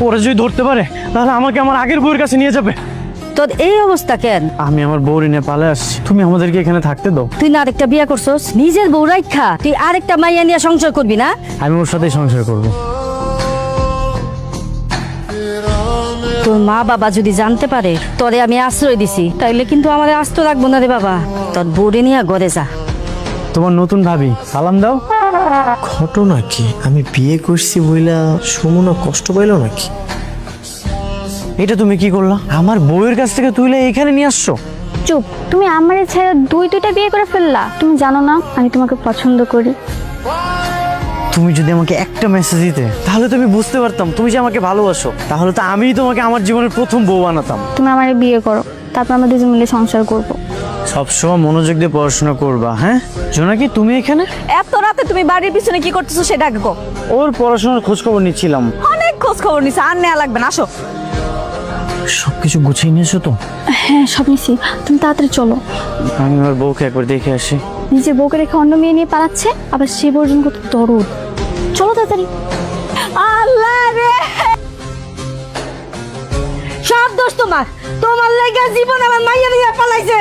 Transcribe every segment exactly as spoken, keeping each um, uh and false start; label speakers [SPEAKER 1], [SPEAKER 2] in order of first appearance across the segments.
[SPEAKER 1] ওরা যদি ধরতে পারে তাহলে আমাকে আমার আগের বউয়ের কাছে নিয়ে যাবে।
[SPEAKER 2] তোর এই অবস্থা কেন?
[SPEAKER 1] আমি আমার বউর নিয়ে পালে আসছি, তুমি আমাদেরকে এখানে থাকতে দাও।
[SPEAKER 2] তুই না আরেকটা বিয়ে করছস, নিজের বউ রাইখা তুই আরেকটা মাইয়া নিয়ে সংসার করবি না?
[SPEAKER 1] আমি ওর সাথেই সংসার করব।
[SPEAKER 2] তোর মা বাবা যদি জানতে পারে তোরে আমি আশ্রয় দিছি, তাইলে কিন্তু আমার আস্ত রাখবো না রে বাবা। তোর বউরে নিয়ে ঘরে যা।
[SPEAKER 1] তোমার নতুন ভাবি, সালাম দাও।
[SPEAKER 3] ঘটনা কি? আমি বিয়ে করছি বইলা সুমনা কষ্ট পাইলো নাকি?
[SPEAKER 1] এটা তুমি কি করলা? আমার বউয়ের কাছ থেকে তুইলে এখানে নিয়ে আসছো?
[SPEAKER 4] চুপ, তুমি আমার ছেড়ে দুই দুইটা বিয়ে করে ফেললা। তুমি জানো না আমি তোমাকে পছন্দ করি।
[SPEAKER 1] তুমি যদি আমাকে একটা মেসেজ দিতে তাহলে তো আমি বুঝতে পারতাম তুমি যে আমাকে ভালোবাসো। তাহলে তো আমি তোমাকে আমার জীবনের প্রথম বউ বানাতাম।
[SPEAKER 4] তুমি আমার বিয়ে করো, তারপর আমরা দুজন মিলে সংসার করব।
[SPEAKER 1] সবসময় মনোযোগ দিয়ে পড়াশোনা করবা। হ্যাঁ জোনাকি, তুমি এখানে
[SPEAKER 2] এত রাতে তুমি বাড়ির পিছনে কি করতেছো সেটা আগে কও।
[SPEAKER 1] ওর পড়াশোনার খোঁজ খবর নিচ্ছিলাম।
[SPEAKER 2] অনেক খোঁজ খবর নিছে, আর নেওয়া লাগবে না, আসো।
[SPEAKER 1] সবকিছু গুছিয়ে নিয়েছো তো?
[SPEAKER 4] হ্যাঁ, সব নিছি। তুমি তাড়াতাড়ি চলো।
[SPEAKER 1] আমি আমার বউকে একবার দেখে আসি।
[SPEAKER 4] নিজের বউকে রেখে অন্য মেয়ে নিয়ে পালাচ্ছে, আবার সে বর্জন কত দরদ। চলো তাড়াতাড়ি।
[SPEAKER 2] আল্লাহ রে, সব দোষ তোমার। তোমার লেগে জীবন আমার মাইয়া নিয়ে পালাইছে।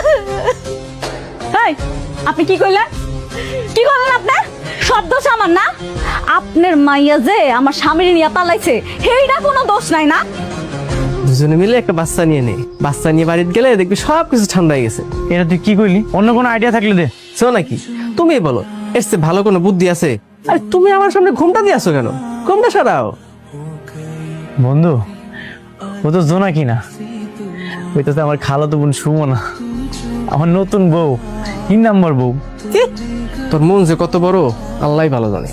[SPEAKER 2] এই, আপনি কি কইলেন? কি করলেন আপনি? সব দোষ আমার না? আপনার মাইয়া যে আমার স্বামীর নিয়ে পালাইছে, সেইটা কোনো দোষ নাই না?
[SPEAKER 3] দুজনে মিলে একটা বাচ্চা নিয়ে নে, বাচ্চা নিয়ে বাড়িতে গেলে দেখবি সব কিছু ঠান্ডা হয়ে গেছে।
[SPEAKER 1] এটা তুই কি কইলি? অন্য কোনো আইডিয়া থাকলে দে।
[SPEAKER 3] শো নাকি, তুমি বলো এর চেয়ে ভালো কোনো বুদ্ধি আছে? আরে তুমি আমার সামনে ঘুমটা দিয়ে আসো কেন? ঘুমটা সারাও।
[SPEAKER 1] বন্ধু, ও তো জোনাকি না, ওই তো আমার খালাতো বোন সুমনা, আমার নতুন বউ, তিন নাম্বার বউ।
[SPEAKER 3] কি? তোর মন যে কত বড় আল্লাহই ভালো জানে।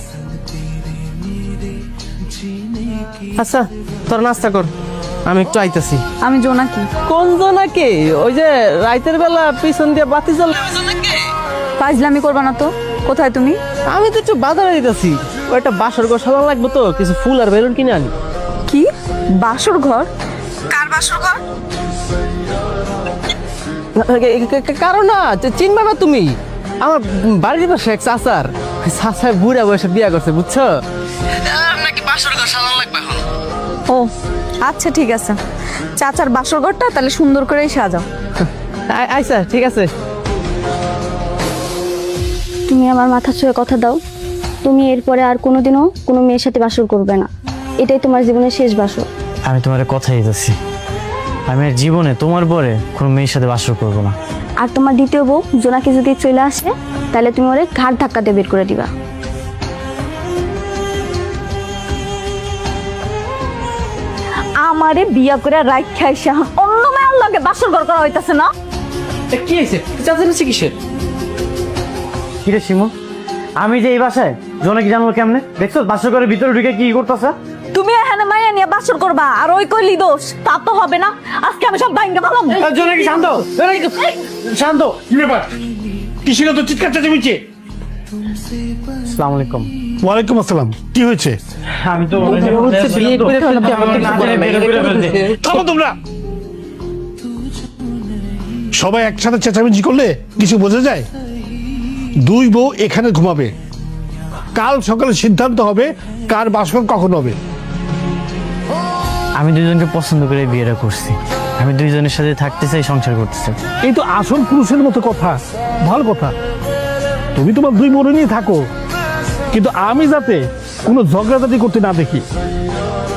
[SPEAKER 3] আচ্ছা তোর নাস্তা কর, আমি একটু আইতাছি।
[SPEAKER 2] আমি জোনাকি।
[SPEAKER 3] কোন জোনাকি? ওই যে রাতের বেলা পিছন দিয়ে বাতি জ্বলে।
[SPEAKER 2] ফাজলামি করবা না তো। কোথায় তুমি?
[SPEAKER 3] আমি তো একটু বাজারে দিতেছি, ওই একটা বাসর ঘর সাজানো লাগবে তো, কিছু ফুল আর বেলুন কিনে আনি।
[SPEAKER 2] কি বাসর ঘর? কার বাসর ঘর?
[SPEAKER 3] কারণ না চিনবা না তুমি, আমার বাড়ির পাশে এক চাচার, চাচার বুড়া বয়সে বিয়া করছে, বুঝছো? নাকি বাসর ঘর সাজানো লাগবে এখন।
[SPEAKER 2] ও আচ্ছা, ঠিক আছে। চাচার বাসর ঘরটা তাহলে সুন্দর করেই সাজাও।
[SPEAKER 3] আচ্ছা ঠিক আছে।
[SPEAKER 4] তুমি আমার মাথা ছুঁয়ে কথা দাও, তুমি এরপরে আর কোনোদিনও কোনো মেয়ের সাথে বাসর করবে না। এটাই তোমার জীবনের শেষ বাসর।
[SPEAKER 1] আমি তোমার কথা দিতেছি, আমি আর জীবনে তোমার পরে কোনো মেয়ের সাথে বাসর করবো না।
[SPEAKER 4] আর তোমার দ্বিতীয় বউ জোনাকি যদি চলে আসে, তাহলে তুমি ওরে ঘাট ধাক্কা দিয়ে বের করে দিবা।
[SPEAKER 2] আমারে বিয়া করে রাইখা আইসা অন্য মেয়ের লগে বাসর ঘর করা হইতাছে না?
[SPEAKER 3] কি হয়েছে? চাচা নিচ্ছে কিসের?
[SPEAKER 1] কিরে শিমু, আমি যে এই বাসায় জোনাকি জানলো কেমনে? দেখছো বাসর ঘরের ভিতরে ঢুকে কি করতেছে?
[SPEAKER 2] তুমি এখানে মাইয়া নিয়ে বাসর করবা আর ওই কইলি দোষ? তা তো হবে না। আজকে আমি সব ভাঙ্গা ভালো।
[SPEAKER 1] জোনাকি শান্ত, জোনাকি শান্ত।
[SPEAKER 5] কি ব্যাপার? কিসের তো চিৎকার চেঁচামেচি?
[SPEAKER 1] আসসালামু আলাইকুম।
[SPEAKER 5] ওয়ালাইকুম আসসালাম। কি হয়েছে?
[SPEAKER 1] আমি তো
[SPEAKER 5] থামো তোমরা। সবাই একসাথে চেঁচামেচি করলে কিছু বোঝা যায়? দুই বউ এখানে ঘুমাবে, কাল সকালে সিদ্ধান্ত হবে কার বাসর কখন হবে।
[SPEAKER 1] আমি দুজনকে পছন্দ করে বিয়েটা করছি, আমি দুইজনের সাথে থাকতে চাই, সংসার করতে চাই।
[SPEAKER 5] এই তো আসল পুরুষের মতো কথা, ভালো কথা। তুমি তোমার দুই বোন নিয়ে থাকো, কিন্তু আমি যাতে কোনো ঝগড়াঝাটি করতে না দেখি।